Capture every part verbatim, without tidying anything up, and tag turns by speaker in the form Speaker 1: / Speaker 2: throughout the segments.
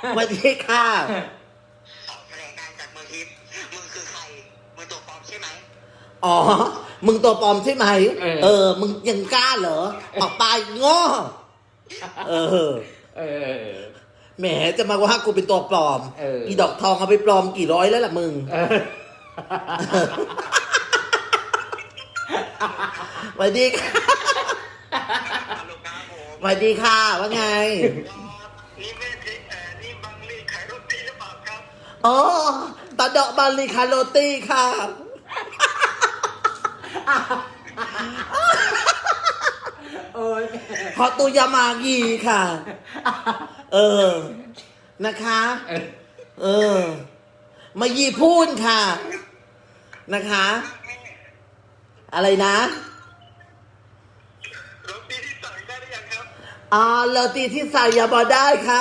Speaker 1: สวัสดีค่ะ
Speaker 2: ออกแถลงการจากเมืองทิพย์มึงคือใครมึงตัวปลอมใช่ไหม
Speaker 1: อ๋อมึงตัวปลอมใช่ไหมเออมึงยังกล้าเหรอออกไปโง่เออ
Speaker 3: เออ
Speaker 1: แหมจะมาว่ากูเป็นตัวปลอมอีดอกทองเอาไปปลอมกี่ร้อยแล้วล่ะมึงสวัสดีค่ะสวัสดีค่ะว่าไง
Speaker 2: นี่ไม่ใช่เอ่อนี่บังลีขายโรตีหรือเปล่าครับ
Speaker 1: อ๋อตาดอกบาลีคาโรตี้ค่ะพอตุยามากีค่ะเออนะคะเออมายีพูนค่ะนะคะอะไรนะ
Speaker 2: โรตีที่สั่งได้หรือยังครับ
Speaker 1: อ๋อโรตีที่ใส่ยาบอได้ค่ะ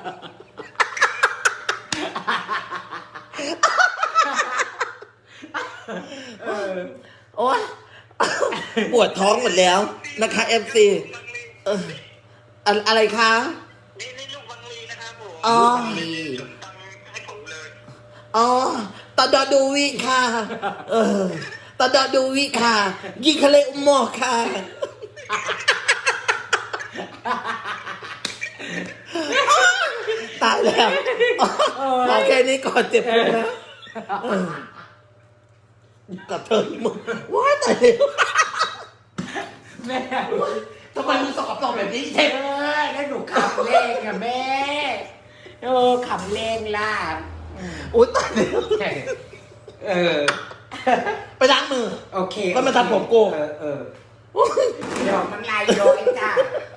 Speaker 1: โอ๊ยปวดท้องหมดแล้วนะคะเอฟซีเอออะไรคะ
Speaker 2: นี่นี่ลูกบังลีนะครับผม
Speaker 1: อ๋อ
Speaker 2: จุดตังให้ผมเลย
Speaker 1: อ๋อตอดอดูวิค่ะเออตอดอดูวิค่ะยิงทะเลอุโมงค์ค่ะตายแล้วโอเคนี้ก่อนเจ็บปวดนะกับเธอมึงว้าตายแล้ว
Speaker 3: แม่
Speaker 1: ทำไมมึงสกปรกแบบนี้เจ็บ
Speaker 3: เออแล้วหนูขำเล่งอะแม่เออขำเล่งล่ะ
Speaker 1: อุ้ยตายแล้ว
Speaker 3: เออ
Speaker 1: ไปล้างมือ
Speaker 3: โอเค
Speaker 1: ก็มาทำผมโก
Speaker 3: เออเออเดี๋ยวมันลายย้อยจ้า